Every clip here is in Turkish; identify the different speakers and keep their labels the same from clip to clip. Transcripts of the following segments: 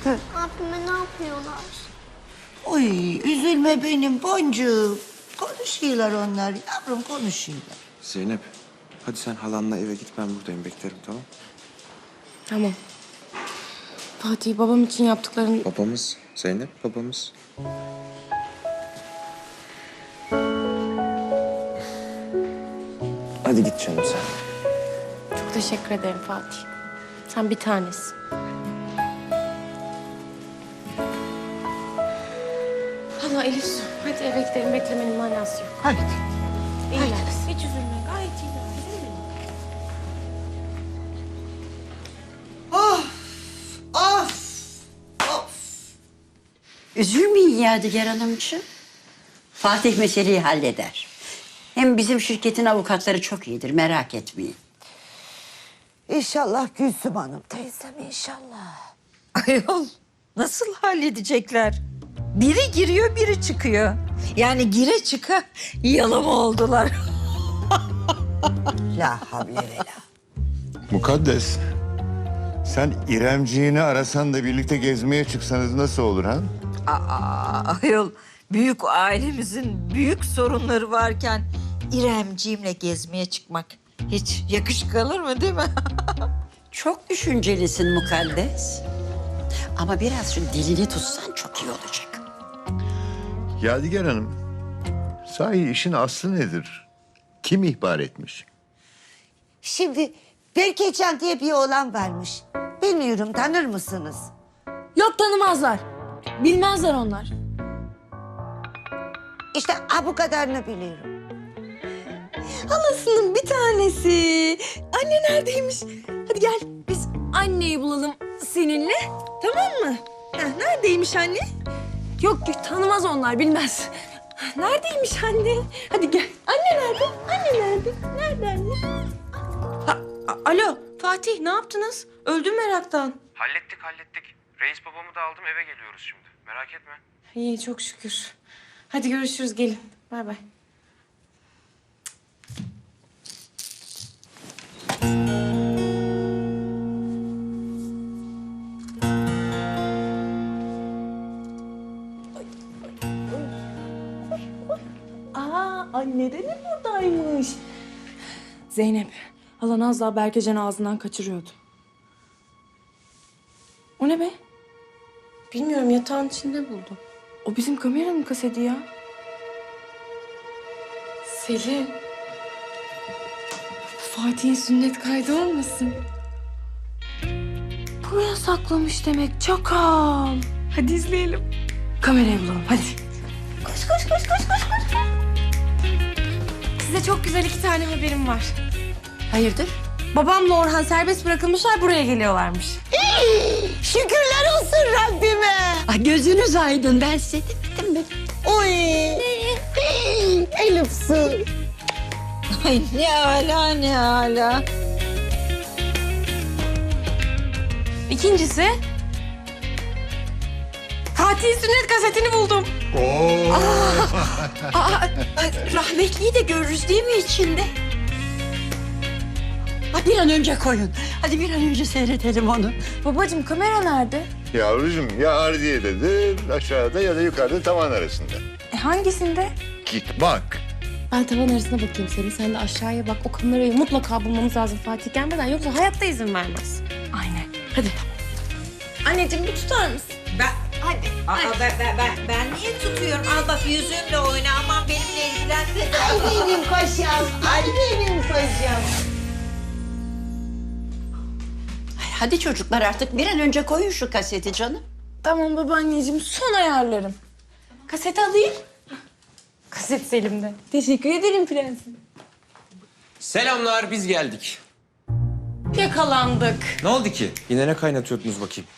Speaker 1: Abime ne yapıyorlar?
Speaker 2: Oy üzülme benim boncuğum. Konuşuyorlar onlar yavrum konuşuyorlar.
Speaker 3: Zeynep, hadi sen halanla eve git, ben buradayım, beklerim, tamam?
Speaker 4: Tamam. Fatih babam için yaptıkların...
Speaker 3: Babamız, Zeynep babamız. Hadi git canım sen.
Speaker 4: Çok teşekkür ederim Fatih. Sen bir tanesin. Hala Elif su. Hadi eve gidelim. Beklemenin manası yok.
Speaker 2: Hadi.
Speaker 4: İyiler. Hiç üzülme. Gayet iyiler. Üzülme.
Speaker 5: Üzülmeyin Yadigar Hanımcığım. Fatih meseleyi halleder. Hem bizim şirketin avukatları çok iyidir, merak etmeyin.
Speaker 2: İnşallah Gülsüm Hanım teyzem inşallah. Ayol nasıl halledecekler? Biri giriyor biri çıkıyor. Yani gire çıka yalama oldular. La havle ve la.
Speaker 6: Mukaddes, sen İremciğini arasan da birlikte gezmeye çıksanız nasıl olur ha?
Speaker 7: Ayol, büyük ailemizin büyük sorunları varken İremciğimle gezmeye çıkmak hiç yakışık alır mı değil mi?
Speaker 5: Çok düşüncelisin Mukaddes. Ama biraz şu dilini tutsan çok iyi olacak.
Speaker 6: Yadigar Hanım, sahi işin aslı nedir? Kim ihbar etmiş?
Speaker 2: Şimdi Berkecan diye bir oğlan varmış. Bilmiyorum tanır mısınız?
Speaker 4: Yok tanımazlar. Bilmezler onlar.
Speaker 2: İşte bu kadarını biliyorum.
Speaker 4: Halasının bir tanesi. Anne neredeymiş? Hadi gel biz anneyi bulalım seninle. Tamam mı? Neredeymiş anne? Yok tanımaz onlar bilmez. Neredeymiş anne? Hadi gel. Anne nerede? Anne nerede? Nerede anne? Alo Fatih ne yaptınız? Öldüm meraktan.
Speaker 3: Hallettik. Reis babamı da aldım, eve geliyoruz şimdi. Merak etme.
Speaker 4: İyi çok şükür. Hadi görüşürüz gelin. Bay bay. Anne de mi buradaymış? Zeynep, halan az daha Berkecan'ı ağzından kaçırıyordu. O ne be? Bilmiyorum, yatağın içinde buldum. O bizim kameranın kaseti ya. Selin. Fatih'in sünnet kaydı olmasın? Buraya saklamış demek, çakal. Hadi izleyelim. Kamerayı bulalım, hadi. Koş. Size çok güzel 2 tane haberim var.
Speaker 5: Hayırdır?
Speaker 4: Babamla Orhan serbest bırakılmışlar, buraya geliyorlarmış.
Speaker 2: Şükürler olsun Rabbime.
Speaker 5: Ay, gözünüz aydın, ben size demedim mi?
Speaker 2: Oy. Elif su.
Speaker 7: Ay ne hala.
Speaker 4: İkincisi... Fatih'in sünnet kasetini buldum.
Speaker 5: Rahmetliyi de görürüz değil mi içinde? Ha, bir an önce koyun. Hadi bir an önce seyredelim onu.
Speaker 4: Babacığım kamera nerede?
Speaker 6: Yavrucuğum ya ardiyededir, aşağıda ya da yukarıda tavan arasında.
Speaker 4: Hangisinde?
Speaker 6: Git bak.
Speaker 4: Ben tavan arasına bakayım senin. Sen de aşağıya bak. O kamerayı mutlaka bulmamız lazım Fatih gelmeden. Yoksa hayatta izin vermez. Aynen. Hadi. Anneciğim bir tutar mısın?
Speaker 7: Ben niye tutuyorum? Al bak yüzümle oyna, aman benimle ilgilenme.
Speaker 2: Ay benim paşam. Ay benim paşam.
Speaker 5: Hadi çocuklar artık bir an önce koyun şu kaseti canım.
Speaker 4: Tamam babaanneciğim. Son ayarlarım. Kaseti alayım. Kaset Selim'de. Teşekkür ederim prensim.
Speaker 3: Selamlar, biz geldik.
Speaker 4: Yakalandık.
Speaker 3: Ne oldu ki? Yine ne kaynatıyordunuz bakayım?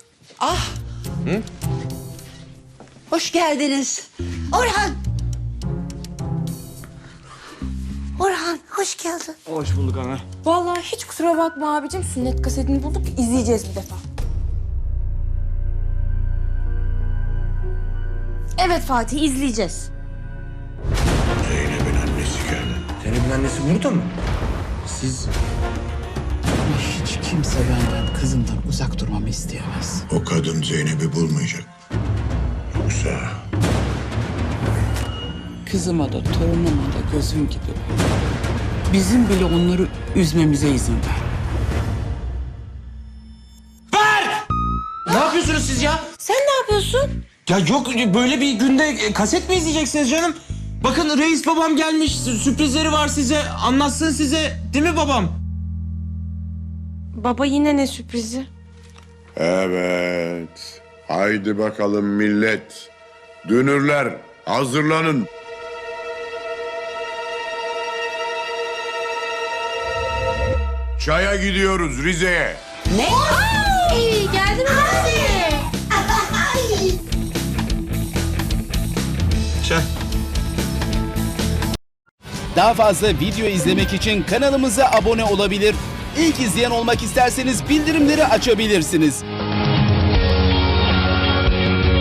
Speaker 5: Hoş geldiniz.
Speaker 2: Orhan. Orhan hoş geldin.
Speaker 3: Hoş bulduk ana.
Speaker 4: Vallahi hiç kusura bakma abicim. Sünnet kasetini bulduk. İzleyeceğiz bir defa. Evet Fatih izleyeceğiz.
Speaker 3: Zeynep'in annesi burada mı? Siz...
Speaker 8: Hiç kimse benden, kızımdan uzak durmamı isteyemez.
Speaker 6: O kadın Zeynep'i bulmayacak. Yoksa...
Speaker 8: Kızıma da torunuma da gözüm gibi. Bizim bile onları üzmemize izin ver.
Speaker 9: Ne yapıyorsunuz siz ya?
Speaker 4: Sen ne yapıyorsun?
Speaker 9: Ya yok böyle bir günde kaset mi izleyeceksiniz canım? Bakın reis babam gelmiş, sürprizleri var size, anlatsın size. Değil mi babam?
Speaker 4: Baba yine ne sürprizi?
Speaker 6: Evet. Haydi bakalım millet. Dünürler hazırlanın. Çaya gidiyoruz Rize'ye.
Speaker 4: Geldin mi?
Speaker 9: Çay.
Speaker 10: Daha fazla video izlemek için kanalımıza abone olabilir. İlk izleyen olmak isterseniz bildirimleri açabilirsiniz.